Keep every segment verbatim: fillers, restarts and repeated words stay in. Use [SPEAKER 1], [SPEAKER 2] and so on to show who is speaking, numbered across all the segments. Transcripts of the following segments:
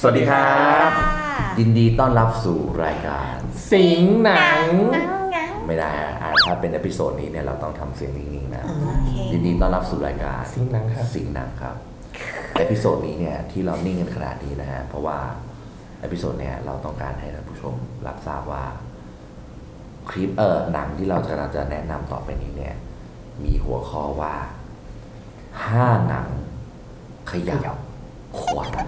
[SPEAKER 1] สวัสดีครับยินดีต้อนรับสู่รายการ
[SPEAKER 2] สิงหนัง
[SPEAKER 1] ไม่ได้ฮะถ้าเป็นเอพิโซดนี้เนี่ยเราต้องทำเสียงนิ่งๆนะยินดีต้อนรับสู่รายการ
[SPEAKER 2] สิงหนังครับ
[SPEAKER 1] สิงหนังครับเอพิโซดนี้เนี่ยที่เรานิ่งกันขนาดนี้นะฮะเพราะว่าเอพิโซดเนี่ยเราต้องการให้ท่านผู้ชมรับทราบว่าคลิปเออหนังที่เราจะจะแนะนำต่อไปนี้เนี่ยมีหัวข้อว่าห้าหนังขยับขวัญ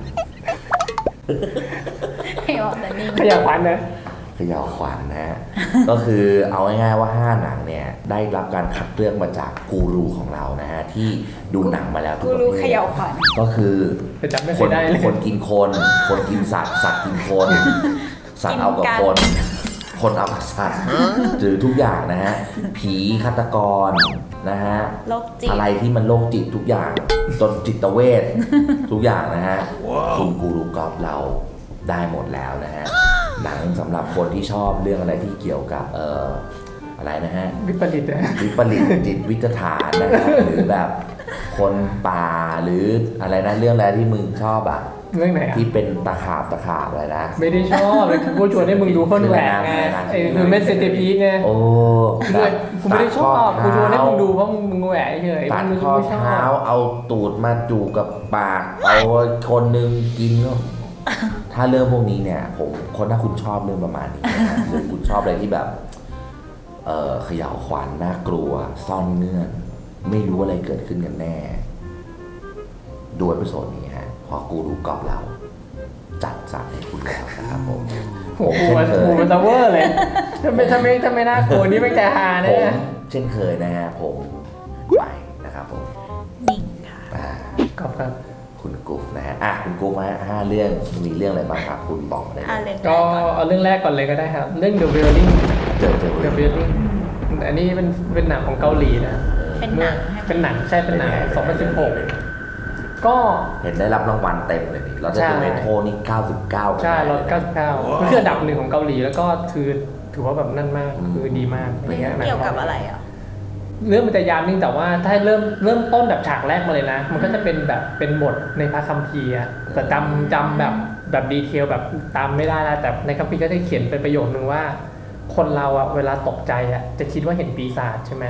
[SPEAKER 2] ขยับขวัญนะ
[SPEAKER 1] ขยับขวัญนะ ก็คือเอาง่ายๆว่าห้าหนังเนี่ยได้รับการคัดเลือกมาจากกูรูของเรานะฮะที่ดูหนังมาแล้วทุกประเภทขยับขวัญก็คือคนคนกินคนคนกินสัตว์สัตว์กินคนสัตว์เอากับคนคนเอากับสัตว์หรือทุกอย่างนะฮะผีฆาตกรนะฮะอะไรที่มันโรคจิตทุกอย่างจนจิตเวชทุกอย่างนะฮะคุณกูรูกอล์ฟเราได้หมดแล้วนะฮะหนังสำหรับคนที่ชอบเรื่องอะไรที่เกี่ยวกับเอ่ออะไรนะฮะ
[SPEAKER 2] วิปริต
[SPEAKER 1] วิปริตจิตวิจฐานนะฮะหรือแบบคนป่าหรืออะไรนะเรื่องอะไรที่มึงชอบอ่ะ
[SPEAKER 2] เรื่องไหนอ่ะ
[SPEAKER 1] ที่เป็นตะขาบตะขาบอะไรนะ
[SPEAKER 2] ไม่ได้ชอบเลยกูชวนให้มึงดูคนแหวกไงไอ้หรือเมสเซนพีไง
[SPEAKER 1] โอ้
[SPEAKER 2] กูไม่ได้ชอบกูชวนให้มึงดูเพราะมึงแหวกเฉย
[SPEAKER 1] ตัดข้อเท้าเอาตูดมาจูบกับปากเอาคนนึงกินก็ถ้าเรื่องพวกนี้เนี่ยผมคนถ้าคุณชอบเรื่องประมาณนี้นะหรือคุณชอบอะไรที่แบบเอ่อเขย่าขวัญน่ากลัวซ่อนเงื่อนไม่รู้อะไรเกิดขึ้นกันแน่ดูเอพิโซดนี้ฮะพอกูรู้กอบเราจัดสรรให้คุณแล้วนะครับผม
[SPEAKER 2] โอ้โหมันโหมันตะเวอร์เลยถ้าไม่ถ้าไม่ถ้าไม่น่ากลัวนี่ไม่ใจฮาแน่
[SPEAKER 1] ผมเช่นเคยนะฮะผมไปนะครับผม
[SPEAKER 3] นิ่งค่ะ
[SPEAKER 2] กอบครับ
[SPEAKER 1] คุณกุ๊ฟนะฮะอ่ะคุณกุ๊ฟฮะห้าเรื่องมีเรื่องอะไรบ้างครับคุณบอกได้เลย
[SPEAKER 2] ก็เอาเรื่องแรกก่อนเลยก็ได้ครับเรื่อง The Wailing The Wailing อันนี้เป็นเป็นหนังของเกาหลีนะ
[SPEAKER 3] เป็นหนัง
[SPEAKER 2] เป็นหนังใช่เป็นหนังสองพันสิบหกก็
[SPEAKER 1] เห็นได้รับรางวัลเต็มเลยนี่เราจะเป็นเมโทนี่เก้าสิบเก้า
[SPEAKER 2] ใช่เราเก้าสิบเก้ามันคืออันดับหนึ่งของเกาหลีแล้วก็คือถือว่าแบบนั่นมากคือดีมาก
[SPEAKER 3] เกี่ยวกับอะไรอ่ะ
[SPEAKER 2] เรื่องมันจะยาวนิ่งแต่ว่าถ้าเริ่มเริ่มต้นแบบฉากแรกมาเลยนะมันก็จะเป็นแบบเป็นบทในพระคัมภีร์แต่จำจำแบบแบบดีเทลแบบตามไม่ได้แล้วแต่ในคัมภีร์ก็ได้เขียนเป็นประโยคนึงว่าคนเราอะเวลาตกใจอะจะคิดว่าเห็นปีศาจใช่ไหม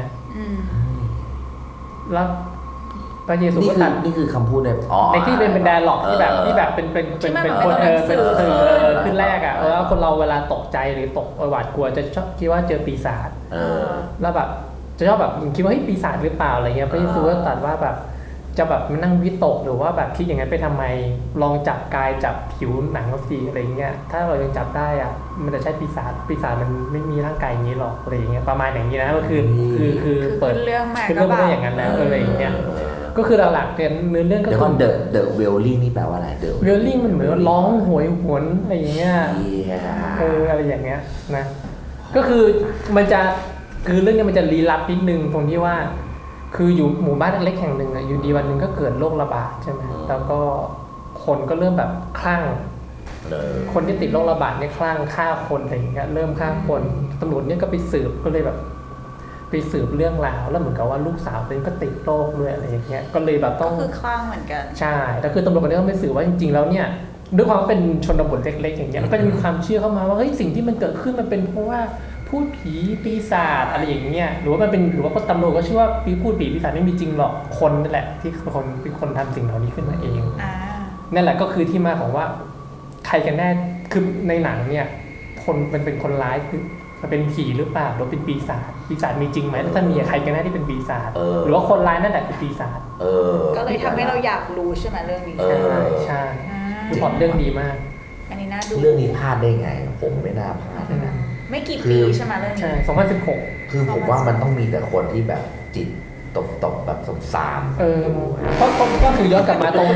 [SPEAKER 2] แล้วพระเยซูก็ตัด
[SPEAKER 1] นี่คือคำพูดใน
[SPEAKER 2] ในที่เป็นเป็นไดอะล็อกที่แบบที่แบบเป็นเป็นเป็นเป็นคนเออเป็นสื่อขึ้นแรกอะแล้วคนเราเวลาตกใจหรือตกหวาดกลัวจะชอบคิดว่าเจอปีศาจแล้วแบบจะชอบแบบคิดว่าเฮ้ยปีศาจหรือเปล่าอะไรเงี้ยพระเยซูก็ตรัสว่าแบบจะแบบมานั่งวิตกหรือว่าแบบคิดอย่างนั้นไปทำไมลองจับกายจับผิวหนังสิอะไรเงี้ยถ้าเรายังจับได้อะมันจะใช่ปีศาจปีศาจมันไม่มีร่างกายอย่างนี้หรอกอะไรเงี้ยประมาณอย่างนี้นะก็คือคือคือเปิด
[SPEAKER 3] เรื่องมา
[SPEAKER 2] คือเรื่องไม่ได้อย่างนั้นแล้วอะไรเงี้ยก็คือหลักๆเนี่ยเนื้อเรื่องก็
[SPEAKER 1] คือเดอะเดอะเวลลิ่งนี่แปลว่าอะไรเดอะ
[SPEAKER 2] เวลลิ่งมันเหมือนร้องโหยหวนอะไรอย่างเงี้ยเอออะไรอย่างเงี้ยนะก็คือมันจะคือเรื่องนี้มันจะลี้ลับนิดนึงตรงที่ว่าคืออยู่หมู่บ้านเล็กๆแห่งหนึ่งอ่ะอยู่ดีวันหนึ่งก็เกิดโรคระบาดใช่ไหมแล้วก็คนก็เริ่มแบบคลั่งคนที่ติดโรคระบาดเนี่ยคลั่งฆ่าคนอะไรอย่างเงี้ยเริ่มฆ่าคนตำรวจเนี่ยก็ไปสืบก็เลยแบบไปสืบเรื่องราวแล้วเหมือนกับว่าลูกสาวตัวเองก็ติดโรคด้วยอะไรอย่างเงี้ยก็เลยแบบต้อง
[SPEAKER 3] คือคลั่งเหมือนกัน
[SPEAKER 2] ใช่แต่คือตำรวจคนนี้ก็ไปสืบว่าจริงๆแล้วเนี่ยด้วยความเป็นชนบทเล็กๆอย่างเงี้ยก็จะมีความเชื่อเข้ามาว่าเฮ้ยสิ่งที่มันเกิดขึ้นมันเป็นเพราะว่าพูดผีปีศาจอะไรอย่างเงี้ยหรือว่ามันเป็นหรือว่าตำรวจก็เชื่อว่าปีพูดผีปีศาจไม่มีจริงหรอกคนนั่นแหละที่คนเป็นคนทำสิ่งเหล่านี้ขึ้นมาเองนั่นแหละก็คือที่มาของว่าใครกันแน่คือในหนังเนี่ยคนมันเป็นคนร้ายคือมันเป็นผีหรือเปล่าหรือเป็นปีศาจปีศาจมีจริงไหมถ้ามีใครกันแน่ที่เป็นปีศาจหรือว่าคนร้ายนั่นแหละคือปีศาจ
[SPEAKER 3] ก็เลยทำให้เราอยากรู้ใช่ไหมเรื่องนี้
[SPEAKER 2] ใช่ใช่คือพล็อตเรื่องดีมาก
[SPEAKER 3] อันนี้น่าดู
[SPEAKER 1] เรื่องนี้พลาดได้ไงผมไม่น่าพลาดนะ
[SPEAKER 3] ไม่กี่ปีใช่ไหมเรื่องนี้
[SPEAKER 2] ใช่สองพันสิบหก
[SPEAKER 1] คือผมว่ามันต้องมีแต่คนที่แบบจิตตกตกแบบสงสาร
[SPEAKER 2] เออเพราะคนก็คือย้อนกลับมาตรง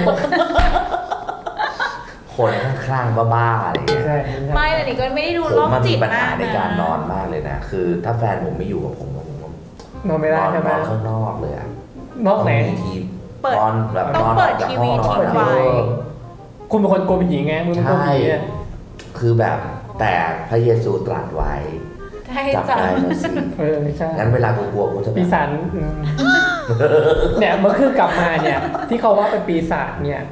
[SPEAKER 1] คนคลั่งบ้าๆอะไรอย่างเงี้ย
[SPEAKER 3] ไม่แต่นี่ก็ไม่ได้ดูโรคจิตมากนะ
[SPEAKER 1] ผมมันมีปัญหาในการนอนมากเลยนะคือถ้าแฟนผมไม่อยู่กับผมผม
[SPEAKER 2] นอนไม่ได้ใช่ไหม
[SPEAKER 1] นอนข้างนอกเลยอะ
[SPEAKER 2] นอกไหน
[SPEAKER 1] ที
[SPEAKER 3] นอนแบบต้องเปิดทีวีทิ้งไว้
[SPEAKER 2] คุณเป็นคนกลัวผีไงมึงเป็นคนผี
[SPEAKER 1] คือแบบแต่พระเยซูตรัสไว้จับได้แล้วสิ
[SPEAKER 2] เออใช่
[SPEAKER 1] งั้นเวลากูกลัวกูจะ
[SPEAKER 2] ปีศาจเนี่ยเมื่อคืนกลับมาเนี่ยที่เขาว่าเป็นปีศาจเนี่ย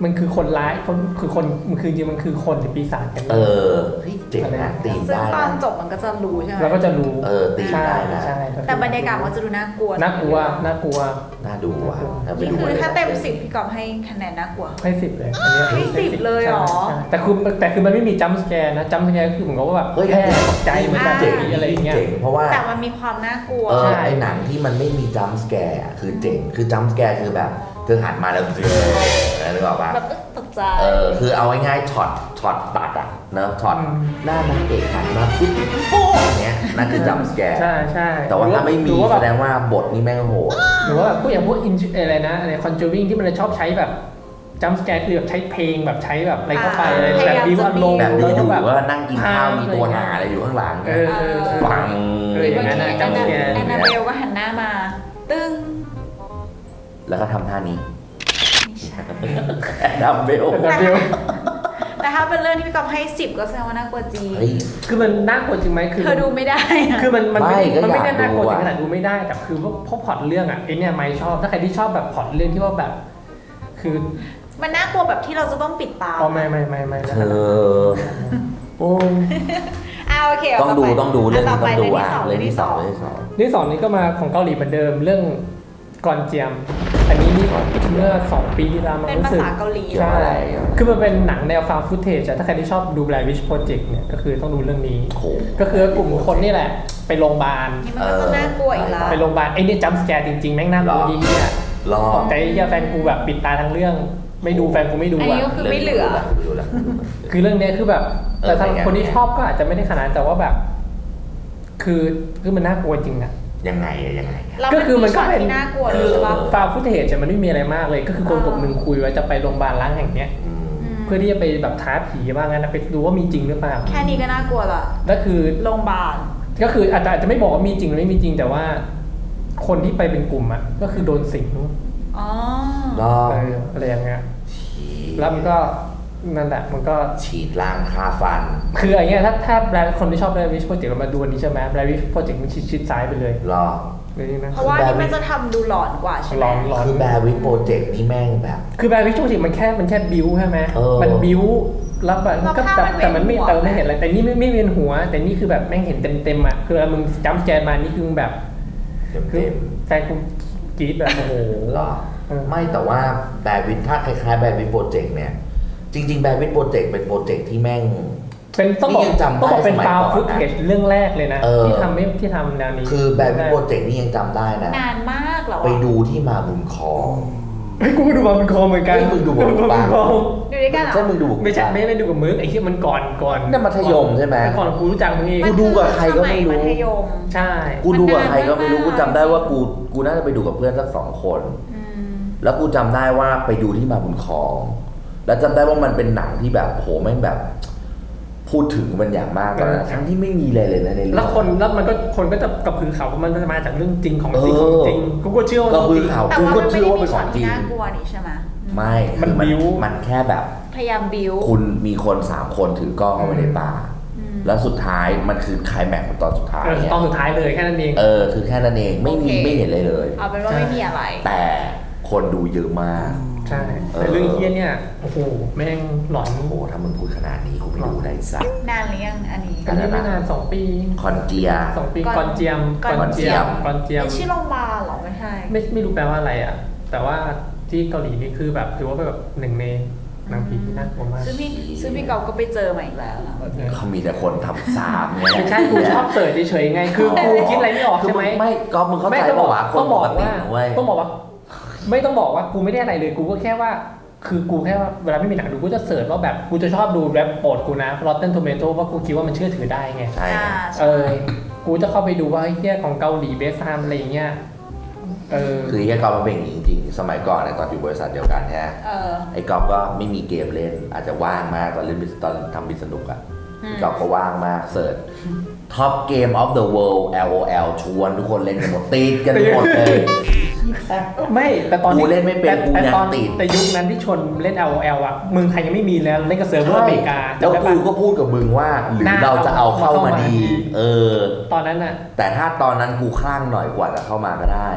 [SPEAKER 2] มันคือคนร้ายคนคือคนมันคือจริงมันคือคนหรือปีศาจกัน
[SPEAKER 1] เออเฮ้ยเจ๋งนะตีม
[SPEAKER 3] ซึ่ง
[SPEAKER 1] ได้
[SPEAKER 3] ตอน
[SPEAKER 1] นะ
[SPEAKER 3] จบมันก็จะรู้ใช่ไหม
[SPEAKER 2] เราก็จะรู้
[SPEAKER 1] เออตีม
[SPEAKER 2] ใช่
[SPEAKER 1] ได้นะ
[SPEAKER 2] ใช่
[SPEAKER 3] แต่บรรยากาศมันจะดูน่ากลัว
[SPEAKER 2] น่ากลัวน่ากลัว
[SPEAKER 1] น่าดูว่ะถ้าไป
[SPEAKER 3] นี่
[SPEAKER 1] ดู
[SPEAKER 3] คือถ้า
[SPEAKER 1] เลย
[SPEAKER 3] เต็มสิบพี่กอบให้คะแนนน่ากลัว
[SPEAKER 2] ให้สิบเลยอันเนี้ย
[SPEAKER 3] ให้สิบเลยเหรอ
[SPEAKER 2] ใช่แต่คือแต่คือมันไม่มีจัมป์สแกร์นะจัมป์สแกร์คือเหมือนกับว่าแบบ
[SPEAKER 1] เฮ้ย
[SPEAKER 2] แค่ตกใจเหมือนกัน
[SPEAKER 1] เจ๋ง
[SPEAKER 2] อะไรอย่างเงี้ย
[SPEAKER 1] เจ๋งเพราะว่า
[SPEAKER 3] แต่มันมีความน่ากลัว
[SPEAKER 1] เออ
[SPEAKER 2] ใช่
[SPEAKER 1] ไอหนังที่มันไม่มีจัมป์สแกร์คือเจ๋งคือจัมป์สแกร์คือแบบเธอหันมาแล้วเจออะไรหรือเปล่าปะ
[SPEAKER 3] แบบเอ๊ะตกใจ
[SPEAKER 1] เออคือเอาง่ายๆช็อตช็อตตัดอะเนอะช็อตหน้านางเอกหันมาปุ๊บโป๊ะอย่างเงี้ยนั่นคือจัมป์สแกร์
[SPEAKER 2] ใช่ใช่
[SPEAKER 1] แต่ว่าถ้าไม่
[SPEAKER 2] ห
[SPEAKER 1] มี
[SPEAKER 2] รือว่า
[SPEAKER 1] แส
[SPEAKER 2] แบบ
[SPEAKER 1] ดงว่าบทนี่แม่งโหด
[SPEAKER 2] หรือว่าแบบพวกอย่างพวกอินอะไรนะอะไรคอนจูริงที่มันจะชอบใช้แบบจัมป์สแกร์คือแบบใช้เพลงแบบใช้แบบอะไรเข้าไปอะไรแบบบิวอารมณ์
[SPEAKER 1] แบบดูอยู่
[SPEAKER 2] แล้วก็
[SPEAKER 1] ว่านั่งกินข้าวมีตัวหนาอะไรอยู่ข้างหลัง
[SPEAKER 2] เออเออเออ
[SPEAKER 1] ปัง
[SPEAKER 2] เอออย่างนั้นนะ
[SPEAKER 3] แอน
[SPEAKER 2] จัมป์สแกร์
[SPEAKER 3] แอนนาเบลก็หันหน้ามา ตึ้ง
[SPEAKER 1] แล้วก็ทำท่านี้
[SPEAKER 3] ไม่ใช่
[SPEAKER 1] ดัมเบล
[SPEAKER 2] แต่บิว
[SPEAKER 3] แต่ถ้าเป็นเรื่องที่พี่กอบให้สิบก็แสดงว่าน่ากลัวจริง
[SPEAKER 1] เฮ้ย
[SPEAKER 2] คือมันน่ากลัวจริงไหมคือ
[SPEAKER 3] เธอดูไม่ได้อะ
[SPEAKER 2] คือมันมันไม่
[SPEAKER 1] ไม่ก็
[SPEAKER 2] มันไม่ได้
[SPEAKER 1] อยาก
[SPEAKER 2] น่ากลัว
[SPEAKER 1] ดู
[SPEAKER 2] ถึ
[SPEAKER 1] อะ
[SPEAKER 2] งขนาดดูไม่ได้แต่คือว่าพวกพล็อตเรื่องอ่ะไอเนี่ยไม่ชอบถ้าใครที่ชอบแบบพล็อตเรื่องที่ว่าแบบ คือ
[SPEAKER 3] มันน่ากลัวแบบที่เราจะต้องปิดตา
[SPEAKER 2] อ๋อไม่ไม่ไม่ไม่
[SPEAKER 1] เธอโอ้
[SPEAKER 3] อ่าโอเค
[SPEAKER 1] ต้องดู
[SPEAKER 3] เาไป
[SPEAKER 1] ต้องดูเรื่องนี้
[SPEAKER 3] ต่
[SPEAKER 1] ต้องดู
[SPEAKER 3] ไป
[SPEAKER 1] อ่ะเรื่องที่สอง
[SPEAKER 3] เรื่
[SPEAKER 1] เรื่
[SPEAKER 3] อ
[SPEAKER 1] อง ง
[SPEAKER 3] ที่
[SPEAKER 1] ที่
[SPEAKER 3] ส
[SPEAKER 1] ส
[SPEAKER 3] อ
[SPEAKER 1] อง ง
[SPEAKER 2] เรื่องที่สองนี้ก็มาของเกาหลีเหมือนเดิมเรื่องกอนเจียม อันนี้นี่เมื่อสองปีที่แล้วมัน
[SPEAKER 3] เป็น
[SPEAKER 2] รู้
[SPEAKER 3] ภา
[SPEAKER 2] สึก
[SPEAKER 3] ษาเกาหลี
[SPEAKER 1] เกี่ยว
[SPEAKER 2] ใช่
[SPEAKER 1] อะไรอ่ะ
[SPEAKER 2] คือมันเป็นหนังแนวฟาวฟุตเทจถ้าใครที่ชอบดู Blair Witch Project เนี่ยก็คือต้องดูเรื่องนี้
[SPEAKER 1] โอ้โห
[SPEAKER 2] ก็คือกลุ่มคนนี่แหละไปโรงพยาบาล
[SPEAKER 3] นี่มันก็จะน่ากลัวอีกแล้ว
[SPEAKER 2] ไปโรงพยาบาลไอ้เนี่ยจัมป์สแกร์จริงๆแม่งน่ากลัว
[SPEAKER 1] หรอ
[SPEAKER 2] ดีเนี่ย
[SPEAKER 1] รอ
[SPEAKER 2] ตกใจเหี้ยแฟนกูแบบปิดตาทั้งเรื่อง ไม่ดูแฟนกูไม่ดู
[SPEAKER 3] อันนี้
[SPEAKER 2] อ่ะ
[SPEAKER 3] ก็คือไม่เหลือ
[SPEAKER 1] ดูแล้ว
[SPEAKER 2] คือเรื่องเนี้ยคือแบบ
[SPEAKER 1] เออ
[SPEAKER 2] แต่สำหรับ
[SPEAKER 1] เป็นไง
[SPEAKER 2] คนที่ชอบก็อาจจะไม่ได้ขนาดนั้นแต่ว่าแบบ คือคือมันน่ากลัวจริงอะ
[SPEAKER 1] ยังไงอะยังไงอะ
[SPEAKER 3] แล้ว
[SPEAKER 2] ก็คือมันก็เป็น
[SPEAKER 3] ที่น่ากลัวเล
[SPEAKER 2] คื
[SPEAKER 3] ย
[SPEAKER 2] อ
[SPEAKER 3] ใช่ปะ
[SPEAKER 2] ฟาวฟุตเทจมันไม่มีอะไรมากเลย ก็คือคนกลุ่มหนึ่งคุยไว้จะไปโรงพยาบาลล้างแห่งเนี้ย
[SPEAKER 1] อืม
[SPEAKER 3] ม
[SPEAKER 2] เพื่อที่จะไปแบบท้าผีว่างั้นนะไปดูว่ามีจริงหรือเปล่า
[SPEAKER 3] แค่นี้ก็น่ากลัวละ
[SPEAKER 2] ก็คือ
[SPEAKER 3] โรงพยาบาล
[SPEAKER 2] ก็คืออาจจะอาจจะไม่บอกว่ามีจริงหรือไม่มีจริงแต่ว่า คนที่ไปเป็นกลุ่มอะก็คือโดนสิง
[SPEAKER 3] อ๋อ
[SPEAKER 1] รอ
[SPEAKER 2] เอออะไรอย่างเงี้ย
[SPEAKER 1] ฉีด
[SPEAKER 2] แล้วมันก็นั่นแหละมันก็
[SPEAKER 1] ฉีดล่างคาฟัน
[SPEAKER 2] คืออย่างเงี้ยถ้าถ้าแบรนด์คนที่ชอบแบรนด์วิชโปรเจกต์เรามาดูอันนี้ใช่ไหมแบรนด์วิชโปรเจกต์มันชิดชิดซ้ายไปเลย
[SPEAKER 1] รอ
[SPEAKER 2] เลยนี่นะ
[SPEAKER 3] เพราะว่านี่มันจะทำดูหลอนกว่าใช่ไห
[SPEAKER 2] หล
[SPEAKER 3] ม
[SPEAKER 2] อนหลอน
[SPEAKER 1] คือแบร์วิทโปรเจกต์นี่แม่งแบบ
[SPEAKER 2] คือแบรนด์วิชโปรเจกต์มันแค่มันแค่บิวใช่ไหม
[SPEAKER 1] เออ
[SPEAKER 2] มันบิวแล้วแบบ
[SPEAKER 3] แล้ว
[SPEAKER 2] ก็
[SPEAKER 3] ภาพ
[SPEAKER 2] แต่
[SPEAKER 3] มัน
[SPEAKER 2] แต่มันไม่
[SPEAKER 3] เวียนหัว
[SPEAKER 2] แต่ไม่เห็นอะไรแต่นี่ไม่ไม่เวียนหัว แต่นี่คือแบบแม่งเห็นเต็มเต็มๆอ่ะคือเวลามึงจัมป์แจนมานี่คือมึงแบบ
[SPEAKER 1] เต็ม
[SPEAKER 2] คือ
[SPEAKER 1] เต็ม
[SPEAKER 2] แฟนกูกรี๊ดแบบโอ้โห
[SPEAKER 1] หรอ
[SPEAKER 2] เออ
[SPEAKER 1] ไม่แต่ว่าแบร์วิทถ้าคล้ายๆแบร์วิทโปรเจกต์เนี่ย จริงๆแบร์วิทโปรเจกต์เป็นโปรเจกต์ที่แม่ง
[SPEAKER 2] เป็นต้องบอก
[SPEAKER 1] นี่ยังจำได้
[SPEAKER 2] ต้องบอกเป็น
[SPEAKER 1] สมัย
[SPEAKER 2] ฟาว
[SPEAKER 1] ก่อน
[SPEAKER 2] ฟุต
[SPEAKER 1] นะ
[SPEAKER 2] เทจเรื่องแรกเลยนะ
[SPEAKER 1] เออ
[SPEAKER 2] ที่ทำไม่ที่ทำแนวนี้
[SPEAKER 1] คือแบร์วิทโปรเจกต์นี่ยังจำได้นะ
[SPEAKER 3] นานมากเหรอ
[SPEAKER 1] ไป
[SPEAKER 3] วะ
[SPEAKER 1] ดูที่มาบุญครอง
[SPEAKER 2] เฮ้ยกูก็ดูมาเป็นคอเหมือนกัน
[SPEAKER 1] เฮ้ยมึงดูมาเป็นคอ
[SPEAKER 2] คอ
[SPEAKER 3] ดูด้วยกันเหรอ
[SPEAKER 1] ใช่มึงดูบุญ
[SPEAKER 2] ไม่ใช่ไม่ไม่ดูกับมึงไอ้ที่มันก่อนก่อน
[SPEAKER 1] นั่นมัธยมใช่ไหม
[SPEAKER 2] ก่อนกูรู้จักมึงเอง
[SPEAKER 1] กูดูกับใครก็ไม่รู้
[SPEAKER 3] นคือสยมัธยม
[SPEAKER 2] ใช่
[SPEAKER 1] กูดูกับใครก็ไม่รู้
[SPEAKER 3] มันนานมาก
[SPEAKER 1] กูจำได้ว่ากูกูน่าจะไปดูกับเพื่อนสักสองคน
[SPEAKER 3] อืม
[SPEAKER 1] แล้วกูจำได้ว่าไปดูที่มาบุญครอง แล้วจำได้ว่ามันเป็นหนังที่แบบโหแม่งแบบ พูดถึงมันอย่างมากตอนนั้นทั้งที่ไม่มีเลยเลยนะในเรื่อง
[SPEAKER 2] แล้วคนแล้วมันก็คนก็จะกระพือเขาว่ามันจะมาจากเรื่องจริงของจริง
[SPEAKER 1] เอ
[SPEAKER 2] ข
[SPEAKER 1] อ
[SPEAKER 2] องจริงกูก็เชื่อว่า
[SPEAKER 1] ก็คือ
[SPEAKER 2] จริง
[SPEAKER 1] เขา
[SPEAKER 3] แต่
[SPEAKER 1] กู
[SPEAKER 3] ว่า
[SPEAKER 1] ก็
[SPEAKER 3] มันไม่
[SPEAKER 1] เชื่อ
[SPEAKER 3] ได้
[SPEAKER 1] ว่า
[SPEAKER 3] มี
[SPEAKER 1] เป็นข
[SPEAKER 3] ช็อ
[SPEAKER 1] อ
[SPEAKER 3] ต
[SPEAKER 1] งจริ
[SPEAKER 3] ที่
[SPEAKER 1] ง
[SPEAKER 3] น่ากลัวนี่ใช่ไหม
[SPEAKER 1] ไม่
[SPEAKER 2] มัน
[SPEAKER 1] คือ
[SPEAKER 2] บิ้ว
[SPEAKER 1] มันแค่แบบ
[SPEAKER 3] พยายามบิว
[SPEAKER 1] คุณมีคนสามคนถือกล้องเข้าไปในป่า
[SPEAKER 3] อืม
[SPEAKER 1] แล้วสุดท้ายมันคือไคลแม็กซ์ของตอนสุดท้าย
[SPEAKER 2] เออ
[SPEAKER 1] เนี่ย
[SPEAKER 2] ตอนสุดท้ายเลยแค่นั้นเอง
[SPEAKER 1] เออคือแค่นั้นเองไม่มี
[SPEAKER 3] โอเค
[SPEAKER 1] ไม่เห็นเลยเลย
[SPEAKER 3] เอาเป็นว่าไม่มีอะไร
[SPEAKER 1] แต่คนดูเยอะมาก
[SPEAKER 2] ใช่
[SPEAKER 1] เออ
[SPEAKER 2] แต่เรื่องเฮี้ยเนี่ยโอ้โหแม่งหลอน
[SPEAKER 1] โอ้โหถ้ามึงพูดขนาดนี้กูไม่ดูได้สัก
[SPEAKER 3] นานหรือยังอันนี้
[SPEAKER 2] อันนี้ไม่นานสองปี
[SPEAKER 1] คอนเจีย
[SPEAKER 2] สองปี
[SPEAKER 3] ก่อน
[SPEAKER 2] ก่อนเจียม
[SPEAKER 3] ก่อน
[SPEAKER 2] ก่อนเจียมก่อนเจียม
[SPEAKER 3] เป็นชื่อโรงพยาบาลเหรอไม่ใช่
[SPEAKER 2] ไม่ไม่รู้แปลว่าอะไรอ่ะ แต่ว่าที่เกาหลีนี่คือแบบถือว่าเป็นแบบหนึ่งในหนังผีที่น่ากลัวมาก
[SPEAKER 3] ซึ่งพี่ซึ่งพี่กอฟก็ไปเจอมาอีกแล้วนะ
[SPEAKER 1] เขามีแต่คนทำสามเนี่ย
[SPEAKER 2] ไม่ใช่กูชอบเสิร์ชเฉยๆไง คือกูคิดอะไรไม่ออก
[SPEAKER 1] คือ
[SPEAKER 2] ใช่
[SPEAKER 1] มึ
[SPEAKER 2] ไหม
[SPEAKER 1] งไม่ก็มึงเข้าใจ
[SPEAKER 2] ไม่ต้อง
[SPEAKER 1] ป่าวะคน
[SPEAKER 2] ต้อง
[SPEAKER 1] ป
[SPEAKER 2] บอก
[SPEAKER 1] กติ
[SPEAKER 2] ว่า
[SPEAKER 1] นะเว้ย
[SPEAKER 2] ต้องบอกว่า ไม่ต้องบอกว่ากูไม่ได้อะไรเลย กูก็แค่ว่า คือกูแค่ว่าเวลาไม่มีหนังดูกูจะเสิร์ชว่าแบบกูจะชอบดูแรปโปรดกูนะ Rotten Tomato เพราะกูคิดว่ามันเชื่อถือได้ไง
[SPEAKER 1] ใช่
[SPEAKER 3] อ่า
[SPEAKER 2] เอ
[SPEAKER 3] ใช่
[SPEAKER 2] อ กูจะเข้าไปดูว่าไอ้เหี้ยของเกาหลีเบสไทม์อะไรอย่างเงี้ย เออ
[SPEAKER 1] คือไอ้กอล์ฟมันเป็นอย่างนี้จริงๆ สมัยก่อนเนี่ยตอนอยู่บริษัทเดียวกันเนี่ย
[SPEAKER 3] เออ
[SPEAKER 1] ไอ้กอล์ฟก็ไม่มีเกมเล่น อาจจะว่างมากตอนเล่นบิสตอนทำบิสนุกอะ
[SPEAKER 3] อืม
[SPEAKER 1] ไอ้กอล์ฟก็ว่างมากเสิร์ช Top Game of the World แอล โอ แอล ชวนทุกคนเล่นกันหมดติดกันหมดเลย
[SPEAKER 2] ไม่แต่ตอน
[SPEAKER 1] กูเล่นไม่เป็น
[SPEAKER 2] แต่
[SPEAKER 1] กู
[SPEAKER 2] แต่
[SPEAKER 1] ยัง
[SPEAKER 2] ตอน
[SPEAKER 1] ติด
[SPEAKER 2] แต่ยุคนั้นที่ชนเล่น แอล โอ แอล อ่ะเมืองไทยยังไม่มีแล้วเล่นกับเซิร์ฟเวอร์อเมริกา
[SPEAKER 1] แล้ว
[SPEAKER 2] จำได้
[SPEAKER 1] กู
[SPEAKER 2] ปะ
[SPEAKER 1] ก็พูดกับมึงว่าหรือ
[SPEAKER 2] น่า
[SPEAKER 1] เราจะเอาเข้า
[SPEAKER 2] เอาเข้า
[SPEAKER 1] มา
[SPEAKER 2] มา
[SPEAKER 1] ดี
[SPEAKER 2] ดี
[SPEAKER 1] เออ
[SPEAKER 2] ตอนนั้นอ่ะ
[SPEAKER 1] แต่ถ้าตอนนั้นกูคลั่งหน่อยกว่าจะเข้ามาก็ได้